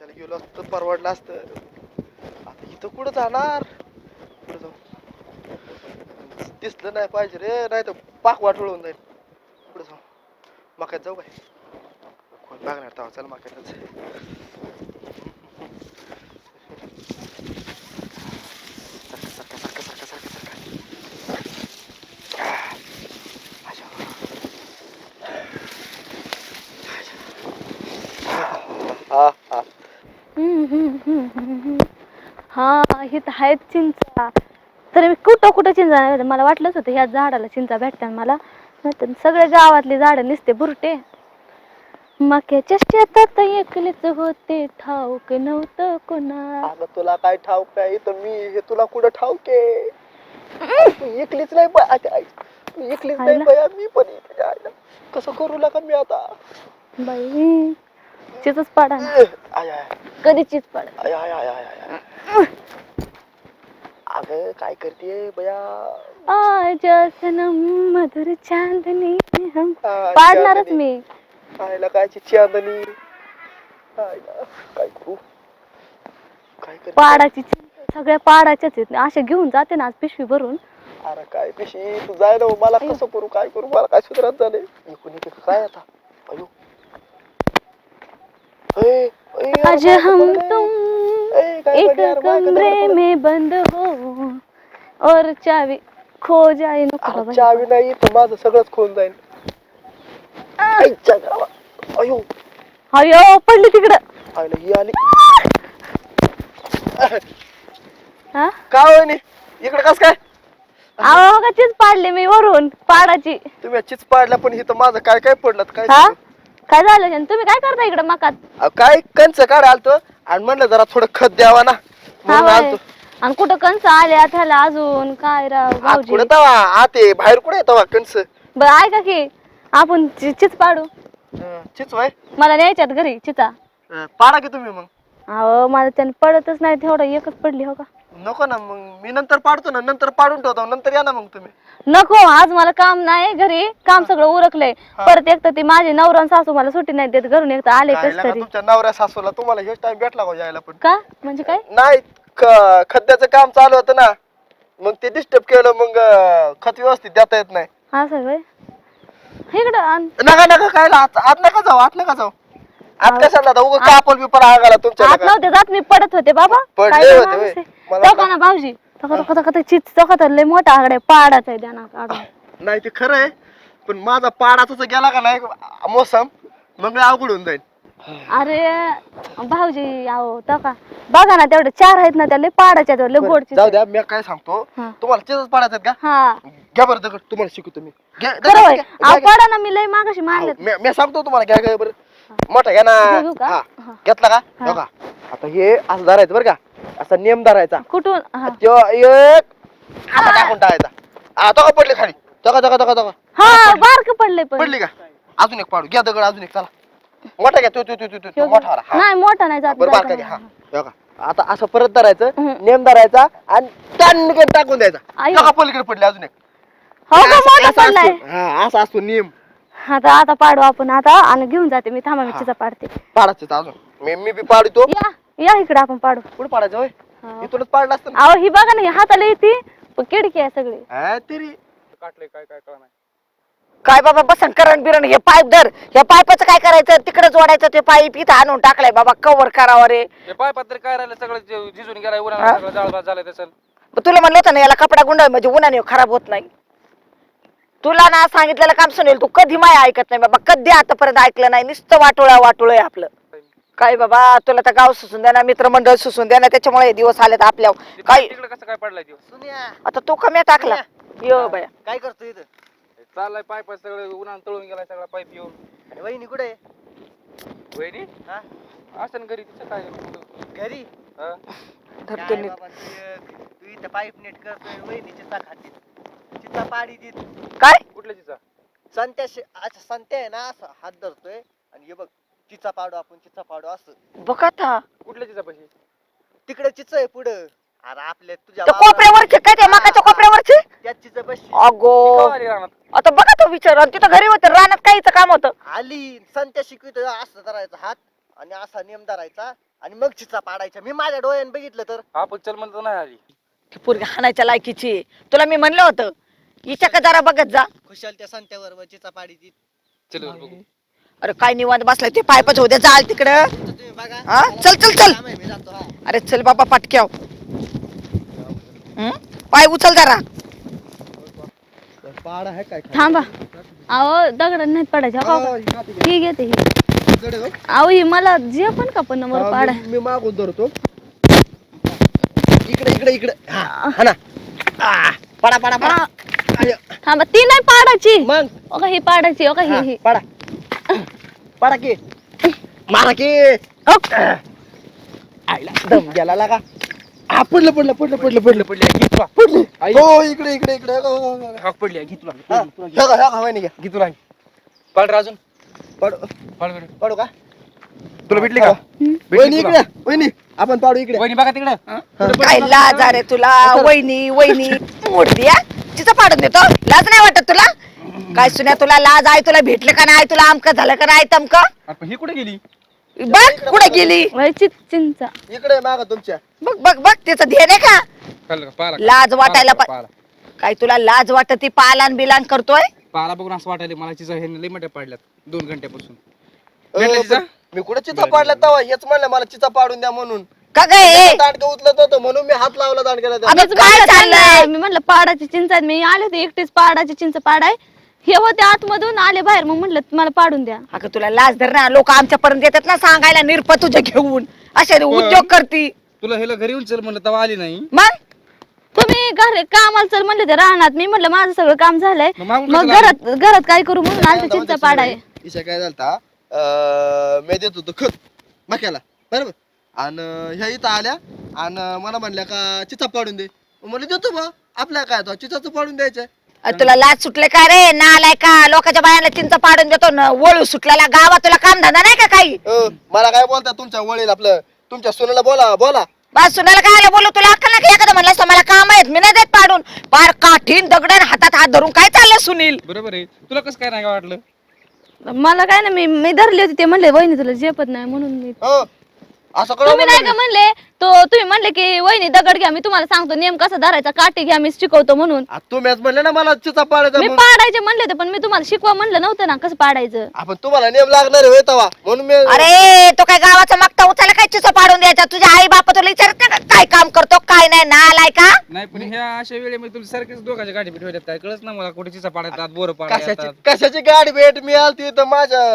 कशाला गेलो असतं परवडलं असतं. आता इथं कुठं जाणार? कुठं जाऊ? दिसलं नाही पाहिजे रे, नाही तर पाक वाटवून जाईल. कुठं जाऊ? मक्यात जाऊ काय? कोण बघणार तेव्हा? चल मक्यातच. सारखं सारखं सारखं सारखं सारखं हा हा. हा हे तर आहेत चिंचा. तर मी कुठं कुठं चिंचा नाही भेटत. मला वाटलंच होतं ह्या झाडाला चिंचा भेटतात मला. नाहीतर सगळे गावातली झाडं नुसते बुरटे. मक्याच्या शेतात एकलीच होते, ठाऊक नव्हतं कोणा. अगं तुला काय ठाऊक आहे? तर मी हे तुला कुठं ठाऊक आहे? तू एकलीच नाही तू एकलीच नाही आईला. बया, मी पण इथे आहे. कसं करू लागा मी आता? बाई चिचच पाडा ना. आय आय कधी चिच पाडा. आय आय आय आय आय. अगं काय करते बया? आज सनम मधुर चांदनी हम. हा, पाडणारच चांदणी. मी. आयला कायची चांदणी. आयला काय करू? काय करते? पाडाची चिंच सगळ्या पाडाच्याच आहेत. असे घेऊन जाते ना आज पिशवी भरून. अरे काय पिशी तू जाय ना, मला कसं करू? काय करू? मला काय सुधारत झाले? इकडून इकडे काय आता? अयो ए, ए, आज यार, हम पडलंय. तुम ए, काय एक पडलं यार, माझ्या कमरे पडलं. में बंद हो और चावी खो जाए. नको अरे बाबा. चावी नाही तर माझं सगळंच खोल जाईल. आईच्या गावात. अयो अयो पडली तिकडं. आईला ही आली. हा का वहिनी इकडे कस काय? अहो का चीच पाडली मी वरून पाडाची. तुम्ही चिच पाडला, पण इथं माझं काय काय पडलं काय हा सांगू? काय झालं त्यानं? तुम्ही काय करता इकडं मकात? अहो, काय कंच काढ आलतो आणि म्हणलं जरा थोडं खत द्यावा ना, म्हणून हा आलतो. आणि कुठं कंस आल्या त्याला अजून काय राव आत भाऊजी. कुठे तवा आते बाहेर कुठे तवा कंच? बरं ऐका की आपण चिच पाडू. चिच वय मला न्यायच्यात घरी चिचा. पाडा की तुम्ही मग. अहो मला त्यानं पडतच नाही, तेवढं एकच पडली हो का. नको ना मग, मी नंतर पाडतो ना, नंतर पाडून ठेवतो, नंतर या ना मग तुम्ही. नको आज मला काम नाही घरी, काम सगळं उरकलंय. परत एक तर ती माझी नवरा आणि सासू मला सुट्टी नाही देत, घरून एक तर आले काय कस लागा तरी. तुमच्या नवऱ्या सासूला तुम्हाला हेच टाइम भेटला का यायला? पण का म्हणजे काय? नाही खड्ड्याचं काम चालू होतं ना, मग ते डिस्टर्ब केलं, मग खत व्यवस्थित देता येत नाही. असं होय. इकडं आण. नका नका काय आत नका जाऊ, आत नका जाऊ. आत कशाला जाता? उगा कापल बिपल आगाला तुमच्या आत नका. नव्हते जात मी, पडत होते बाबा. पडले काय होते माणूस होय. आहे. मला तो का ना भाऊजी तो चिच तो लय मोठा आकडे पाडाचा आहे त्यांना काढून. नाही ते खरं आहे, पण माझा पाडाचा जर गेला का नाही मोसम, मग लय अवघड होऊन जाईल. अरे भाऊजी आहो तो का बघा ना तेवढे 4 आहेत ना, त्या लय पाडाच्या लय बरं, गोडचे. जाऊ द्या, मी काय सांगतो हा. तुम्हाला चिजच पाडायचं का? हा घ्या बरं दगड, तुम्हाला शिकवतो मी. घ्या खरं होय. घ्या, अहो घ्या. पडा ना, मी लय मागाशी मानले. मी सांगतो तुम्हाला, घ्या घ्या बरं. मोठा घ्या ना. घेऊ का? हा. हा. घेतला का? हा. बघा आता हे असं धरायचं बरं का, असा नियम धरायचा. कुठून? हा त्यो एक असा टाकून टाकायचा. तो का पडली खाली? तो का हा बारक पडले पण. पडली का? अजून एक पाडू. घ्या दगड, अजून एक. चला मोठा घ्या, तो मोठा वाला. हा. नाही मोठा नाही जात. बरं बारका घ्या. हा बघा आता असं परत धरायचं, हम्म. नेम धरायचा आणि टाकून टाकून द्यायचा. आई. तो का पलीकडे पडली अजून एक. हो का मोठा असा पडलाय. असतो. हा असा असतो नियम. आता पाडू आपण आता, आणि घेऊन जाते मी. थांबा मी हा. चिचा पाडते. पाडायचं अजून. मी बी पाडतो. या इकडे आपण पाडू. कुठं पाडायचं होय? हा. इथूनच पाडलं असतं ना. अहो ही बघा ना, ही हाताला येते पण किडकी आहे सगळी. हा, तरी काटले काय काय कळणार. काय बाबा बसन करण बिरण हे पाईप धर, ह्या पाईपाचं काय करायचं? तिकडे जोडायचं ते पाईप, इथं आणून टाकलाय बाबा, कव्हर करावं रे. हे पाय पत्र काय राहिलं सगळं झिजून गेलाय, हा? उन्हाळा सगळं जाळभात झालंय त्याचं. तुला म्हणलं होतं ना याला कपडा गुंडाळ म्हणजे उन्हाने खराब होत नाही. तुला ना सांगितलेलं काम सुनेल, तू कधी माय ऐकत नाही बाबा, कधी आतापर्यंत ऐकलं नाही. नुसतं वाटोळं आहे आपलं. काय बाबा तुला तर गाव सुसून द्या ना, मित्रमंडळ सुसून द्या ना, त्याच्यामुळे हे दिवस आलेत आपल्यावर. काय तिकडे कसं काय पडलाय दिवस? आता तो कमी टाकला यो बाया. काय करतो इथं? चाललाय पाईप सगळं उन्हाळ्यात तळून गेलाय सगळा पाईप येऊन. आणि वहिनी कुठे आहे? वहिनी हा? असं घरी तिचं काय घरी. हा? धरतो काय नीट. बाबा, तू इथं पाईप नीट करतोय, वहिनी चिचा खाते. चिचा पाडी देत. काय कुठल्या तिचा? संत्या अच्छा संत्या आहे ना, असं हात धरतोय आणि हे बघ, चिचा पाडू आपण, चिचा पाडू असं. बघा आता कुठल्या तिचा पैसे? तिकडे चिचा आहे पुढं. अरे आपल्या तुझ्या त्या कोपऱ्यावरचे काय ते मकाच्या कोपऱ्यावरचे? त्यात चिचा बसली. अगो आली रानात. आता बघा तो विचार, आणि तिथं घरी होतं रानात काहीच काम होतं. आली संत्या शिकवितोय, असं धरायचा हात आणि असा नेम धरायचा आणि मग चिचा पाडायच्या. मी माझ्या डोळ्याने बघितलं तर. आपण चल म्हणतो नाही आली. ती पोरगी हाणायच्या लायकीची आहे. तुला मी म्हणलं होतं हिच्या का जरा बघत जा. खुशाल त्या संत्यावर चिचा पाडी ती. चल बरं बघू. अरे काय निवांत बसलाय ते पायपच होते चाल तिकडं. तुम्ही बघा. हा चल चल चल. काम आहे, मी जातो. हा. अरे चल बाबा पटक्याव. पाय उचल जरा. पाड आहे काय थांबा. अहो दगड नाहीत पडायचे हो का? ही घेते ही. अहो ही मला जे पण का पण नंबर पाड आहे. मी मागून धरतो. इकडे इकडे इकडे. हा ना. पडा पडा पडा. आय. थांबा ती नाही पाडायची. मग ओ का ही पाडायची ओ का हा, ही पडा पडा की मारा की. आईला दम गेला लागा. हा पडलं पडलं पडलं पडलं पडलं पडली आहे, घे तुला. पडली. आई. हो इकडे इकडे इकडे. हो, हो, हो. हाक पडली आहे, घे तुला. हा, ह्या का, ह्या का, वहिनी घ्या. घे तुला. पाड रे अजून. पाडू पाड बरं. पाडू का. तुला भेटली का? वहिनी इकडे वहिनी आपण पाडू इकडे. वहिनी बघा तिकडं. काय लाज आहे रे तुला. वहिनी वहिनी मोडती हा. तिचं पाडून देतो. लाज नाही वाटत तुला. काय सुन्या तुला लाज आहे. तुला भेटलं का नाही. तुला आमक झालं का नाही तमक. आपण ही कुठे गेली? बघ कुठे गेली. वयची चिंचा. इकडे माग तुमच्या. बघ बघ बघ तिचं ध्येय नाही का. पाहिलं का? पाहिलं का? लाज वाटायला पाहिलं, पाहिलं. काय तुला लाज वाटत ती पालान बिलान करतोय. पाला बघून असं वाटायला मला चिचा हे लई मोठ्या पाडल्यात 2 घंट्यापासून. अ, भेटलं चिचा? मी कुठे चिचा पाडला तवा हेच म्हणलं मला चिचा पाडून द्या म्हणून. का गे दांडकं उचलत होतं म्हणून मी हात लावला दांडक्याला त्या. अगं काय चाललंय. मी म्हणलं पाडाची चिंच आहे. मी आले होते एकटीच पाडाची चिंच पाडाय. हे होते आतमधून आले बाहेर मग म्हणलं मला पाडून द्या. अगं तुला लाज धर ना. लोक आमच्यापर्यंत येतात ना सांगायला निरप तुझ्या घेऊन असे उद्योग करती. तुला हेला घरी येऊन चल म्हणलं तेव्हा आली नाही. मग तुम्ही घर कामाला चल म्हणले ते राहणार. मी म्हणलं माझं सगळं काम झालंय मग मागून मग कशाला घरात घरात काय करू म्हणून आलते चिंचा पाडाय. इशा काय झालता मी देत होतो खत मक्याला बरोबर. आणि ह्या इथं आल्या आणि मला म्हणल्या का चिचा पाडून दे. म्हणलं देतो बा आपल्या काय तो चिचाचं पाडून द्यायचंय. तुला लाज सुटले का रे. नालाय का. लोकांच्या बायाला चिंच पाडून देतो न. वळू सुटलेला गावात तुला काम धंदा नाही का काही. मला काय बोलता तुमच्या वडील आपलं तुमच्या सुनेला बोला बोला. बस सुनाला काय बोलू. तुला अक्कल नाही एखादं म्हणलं असतं मला काम आहेत मी नाही देत पाडून. पार काठीन दगडन हातात हात धरून काय चाललं सुनील. बरोबर आहे. तुला कसं काय नाही वाटलं? मला काय ना मी धरली होती ते म्हणले वहिनी तुला झेपत नाही म्हणून मी. असं करू तुम्ही नाही का म्हणले तुम्ही म्हणले की वहिनी दगड घ्या मी तुम्हाला सांगतो नेम कसा धरायचा काठी घ्या मी शिकवतो म्हणून. तुम्हीच म्हणले ना मला चिचा पाडायचा मी म्हणून. पाडायचे म्हणले होते पण मी तुम्हाला शिकवा म्हणलं नव्हतं ना कसं पाडायचं. आपण तुम्हाला नेम लागणार होय तवा म्हणून मी. अरे तो काय गावाचा मागता उचलला काय चिंच पाडून द्यायचा. तुझ्या आई बाप तुला विचारत नाही का काय काम करतो काय नाही. नालाय का. नाही पण ह्या अशा वेळेमध्ये तुला सारखेच दोघांच्या गाठी भेट होत्यात काय कळच ना मला कुठे चिचा पाडतात बोर कशाची पाडतात. कशाची गाडी भेट मी आलती तर माझ्या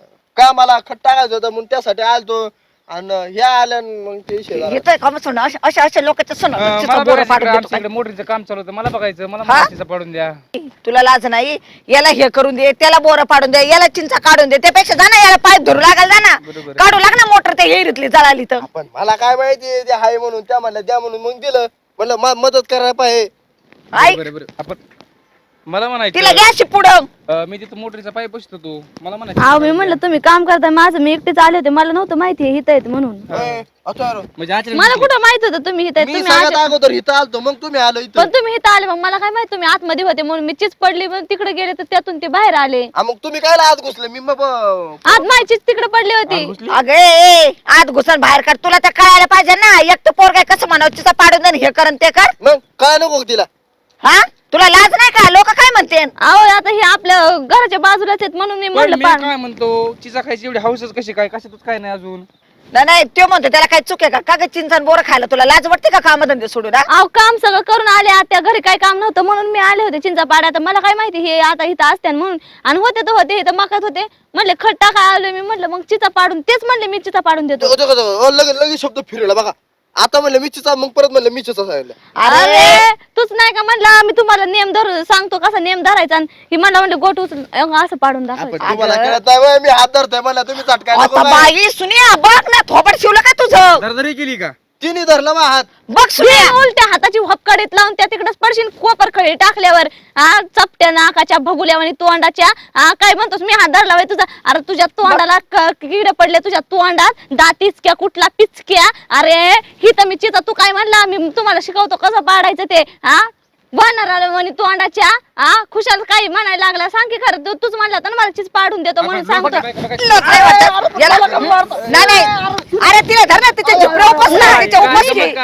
कामाला खट टाकायचं होतं म्हणून त्यासाठी आलतो. आणि ह्या आल्या मग ते शेजार. येतोय का मग सुन अशा अशा लोकांचं सुन मला बोर पाडून देतो आमच्याकडे मोटरीचं काम चालू होतं मला बघायचं मला हा? चिचा पाडून द्या. काय. तुला लाज नाही. याला हे करून दे त्याला बोर पाडून दे याला चिंचा काढून दे त्यापेक्षा जा ना याला पाईप धरू लागाल जा ना. बरोबर आहे. काढू लाग ना मोटर त्या हिरीतली जळाली तर. पण मला काय माहिती ते हाय म्हणून त्या म्हणल्या द्या म्हणून मग दिलं म्हणलं मदत करायला पाहिजे. ऐक बरोबर आपण मला तिला म्हणायचं घ्या अशी पुढं. मी तिथं मोटरीचा पाईप बसतो तू मला म्हणायचं अहो मी म्हणलं तुम्ही काम करताय माझं मी एकटीच आले होते मला नव्हतं माहिती हित आहेत म्हणून. होय, अथर्व. म्हणजे अचानक मला कुठं माहित होतं तुम्ही हित आहेत. मी तुम्ही सगळ्यात अगोदर इथं आलतो मग तुम्ही आलो इथं. पण तुम्ही इथं आले मग मला काय माहित तुम्ही आतमध्ये होते म्हणून मी चीच पडली म्हणून तिकडे गेले तर त्यातून ते बाहेर आले. मग तुम्ही काय आत घुसले मी मग आत माझी चीच तिकडे पडली होती. अगे आत घुसन बाहेर कर तुला तर कळायला पाहिजे ना. एकटं पोर काय कसं म्हणावं तिचा पाडून दे आणि हे कर आणि ते कर. मग काय नको तिला. हा तुला लाज नाही का. लोक काय म्हणते. अहो आता हे आपल्या घराच्या बाजूलाच आहेत म्हणून मी पण म्हणलं मी पाड. काय म्हणतो चिचा खायची एवढी हौसच कशी काय कशातच काय नाही अजून. नाही तो म्हणतो त्याला काय चुक आहे का ग चिंचन बोर खायला तुला लाज वाटते का कामधंदे सोडून. हा? अहो काम सगळं करून आले आता घरी काय काम नव्हतं म्हणून मी आले होते चिंचा पाड्या. आता मला काय माहिती हे आता इथं असते म्हणून. आणि होते तर होते इथं मकात होते म्हणले खट टाका आलो मी म्हणलं मग चिचा पाडून तेच म्हणले मी चिचा पाडून देतो. लगेच शब्द फिरला बघा. आता म्हणलं मी चिचा मग परत म्हणलं मी चिचा सांगितलं. अरे तूच नाही का म्हणला मी तुम्हाला नेम धरू सांगतो कसा नेम धरायचा आणि ही मला म्हणलं गोट उचल असं पाडून आपण दाखवायचं. तुम्हाला कळत नाही व्हय, मी हात धरतोय मला तुम्ही चटकाय नको आता बाय. बाई सुनिया बघ ना थोबड शिवलं का तुझं. दरदरी केली का? तिने धरला मा हात. बघ सुनिया. हे उलट्या हाताची हपकडीत लावून त्या तिकडे पडशील कोपर खळी टाकल्यावर चपट्या नाकाच्या भगुल्या आणि तोंडाच्या काय म्हणतोस मी हात धरला तुझा. अरे तुझ्या तोंडाला किडे पडले तुझ्या तोंडात दातीचक्या कुठला पिचक्या. अरे ही तर मी चिता तू काय म्हणला मी तुम्हाला शिकवतो कसं पाडायचं ते. बनणार आलं म्हणे तोंडाच्या खुशाल काही म्हणायला लागला सांग की खरं तूच म्हणला तर मला चीज पाडून देतो म्हणून सांगतो. नाही अरे तिला धर ना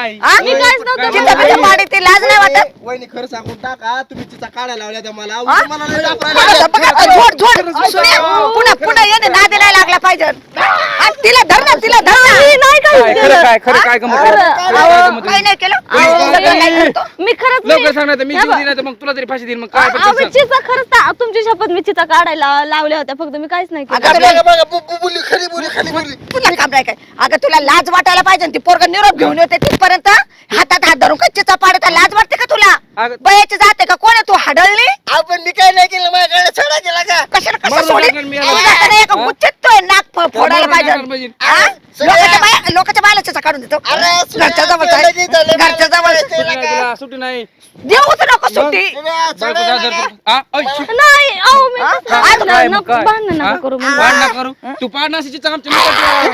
नाही हा? मी काहीच नव्हतं चिचापिचा पाणी ते लाज नाही वाटत वहिनी खरं सांगून टाका तुम्ही चिचा काढायला लावल्या त्या मला हा? उगाच मला लय दाखवायला बघा, लागल्या. बघा, झोड झोड सुने, पुन्हा येणे नादी नाही लागला पाहिजे हा, तिला धर ना तिला धर ना मी नाही काय काहीच खरं केलं. काय खरं काय गंमत खरं. आहे? काय गंमत काही आहे? नाही केलं अहो, सगळं काय करतो मी खरंच लवकर सांग नाही तर मी हे जीव बघ. दिला तर मग तुला तरी फाशी देईन मग काय पण अहो, मी ते सांग. चिचा खरंच तुमची शपथ मी चिचा काढायला लावल्या होत्या फक्त मी काहीच नाही केलं अगं, बघा, बघा, बोली खरी बोली खाली बोली तुला काम नाही काय अगं तुला लाज वाटायला पाहिजे ती पोरग निरोप घेऊन येते तिथपर्यंत हातात हात धरून कच्चीचा पाडता लाज वाटते का तुला अगं, बयाची जाते का कोण आहे तू हाडळली आपण मी काय नाही केलं माझ्याकडे छडा केला का कशाला कसं मारून सोडी टाकणार मी याला. तुझ्या हाताने एका हा? गुच्छेत तो नाक फोडायला मारून पाहिजे टाकणार म्हणजे. हा? लोकांच्या बायला चिचा काढून देतो घरच्या जवळ घरच्या जवळ सुट्टी नाही तुला, सुट्टी नाही देऊच नको सुट्टी बायको जा जर तू- हा? ओय, शू. नाही अहो मी हा? तसं काय, भांडण मग नको काय? भांडण हा? नका करू मग. भांडण नका करू तू पाडणार अशी चिचा आमच्या मुखात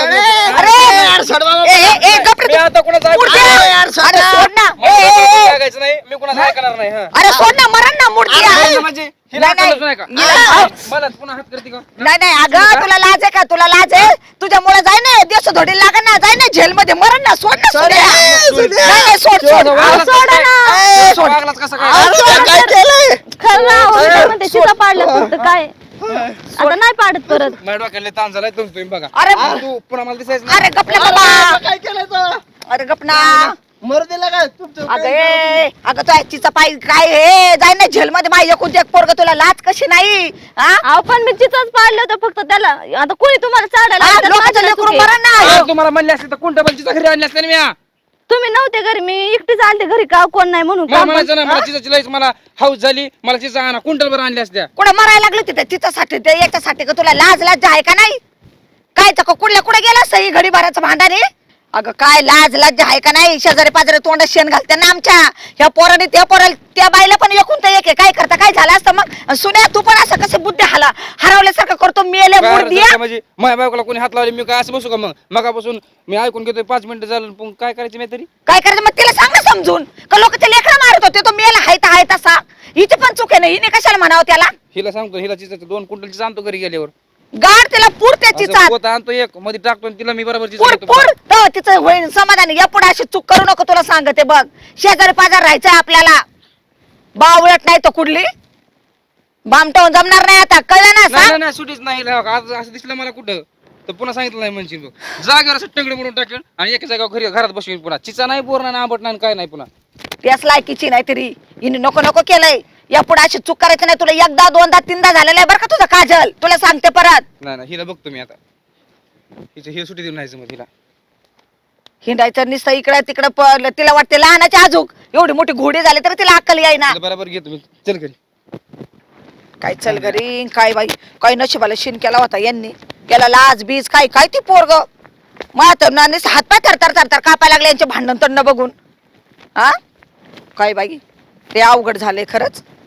अरे ठेवा. ए गप रे मी आता कोणाचं ऐकून मुडद्या. नाही. अरे सोड ना मला ए, ए, ए. ऐकायचं नाही मी कोणाचं ऐकणार नाही हा. अरे सोड ना मरण ना मुडद्या अरे म्हणजे हिला नाही, अक्कलच नाही का? नाही. मला पुन्हा हात करते का नाही नाही अगं तुला लाज आहे का तुला लाज आहे तुझ्यामुळे जाय ना देश धोडी लागण ना जाय ना जेल मध्ये मरण ना सोड ना सोड्या. नाही, नाही, सोड सोड वागलाच सोडा कसं ना. काय? सोड. वागलाच कसं काय? काय केलंय खरं ना, अहो, मी काय म्हणते चिचा पाडलं फक्त काय आता नाही पाडत परत माझ्या डोक्याला लय ताण झालाय तुम्ही बघा अरे तू पुन्हा मला दिसायचं नाही. अरे गप ना बाबा काय केलं तर अरे गप ना मरू दिला काय तुमचं अगं ए, अगं तो आजचीचा पाय काय हे जाय ना जेल मध्ये माझ्या एकूण एक पोरग तुला लाज कशी नाही हा अहो पण मी चिचाच पाडलं होतं फक्त त्याला आता कोणी तुम्हाला चाडायला हा, लागलं तर लोकांचं माझं लेकरू चुकी. मरण ना अरे तुम्हाला म्हणले असते तर कोणत्या बलचीचा घरी आणले असते ना मी हा. तुम्ही नव्हते घरी मी एकटीच आलते घरी का कोण नाही म्हणून मला काम पण- म्हणायचं ना मला चिजाची लईच मला हाऊस झाली मला चिजा आणा कुंटल बरं आणल्या असत्या कुठं मरायला लागली तिथे तिच्यासाठी ते याच्यासाठी का तुला लाज लाज आहे का नाही काय तर कुठल्या कुठे गेला सही घडी भराचं भांडाने अगं काय लाज लाज आहे का नाही शेजारी पाजारी तोंडात शेण घालते ना आमच्या ह्या पोराने त्या पोराला त्या बाईला पण एकूण तर एक आहे काय करता काय झालं असतं मग सुन्या तू पण असं कसं बुद्धी हरवल्यासारखं करतो मेले बाहेर मुर्दिया जायचं म्हणजे माझ्या बायकोला कोणी हात लावले मी काय असं बसू का मग मगापासून मी ऐकून घेतोय 5 मिनिटं झालं पण काय करायचं मी तरी काय करायचं मग तिला सांग ना समजून का लोक ते लेकरं मारत होते तो मेला हाय तर हाय तसा हिची पण चूक आहे ना हिने कशाला म्हणावं त्याला हिला सांगतो हिला चिजाचं 2 क्विंटलची आणतो घरी गेल्यावर गाड तिला पूर त्याची असं चाल पोत आणतो एक मध्ये टाकतो आणि तिला मी बरोबर चिजा पूर देतो. पूर तर तिचं होईल समाधानी या पुढे अशी चूक करू नको तुला सांगते बघ शेजारी पाजार राहायचंय आपल्याला बावळट नाही तो कुठली बामटावून जमणार नाही आता कळलं ना नाही सांग नाही, नाही सुटीच नाही हिला. आज असं दिसलं मला कुठं तर पुन्हा सांगितलं नाही म्हणशील बघ. जागेवर असं टंगडे म्हणून टाकेल आणि एका जागेवर घरात बसवीन पुन्हा चिचा नाही बोर नाही आंबट नाही काय नाही पुन्हा त्याच लायकीची नाही तरी हिने नको नको केलंय या पुढे अशी चूक करायची नाही तुला एकदा दोनदा तीनदा झालेलं आहे बरं का तुझं काजल तुला सांगते परत नाही नाही हिला बघतो मी आता हिला सुटी देऊन नाही मग हिला हिंडायचं नुसतं इकडं तिकडं तिला वाटते लहानाची आजूक एवढी मोठी घोडी झाली तर तिला अक्कल येईना हिला बरोबर घेतो मी चल घरी काय चल घरी काय बाई काय नशिबाला शिन केला होता यांनी केला लाज बीज काय काय ती पोरग हात पाय थरथर थरथर कापाय लागले यांचे भांडण तंड बघून हा काय बाई ते अवघड झाले खरंच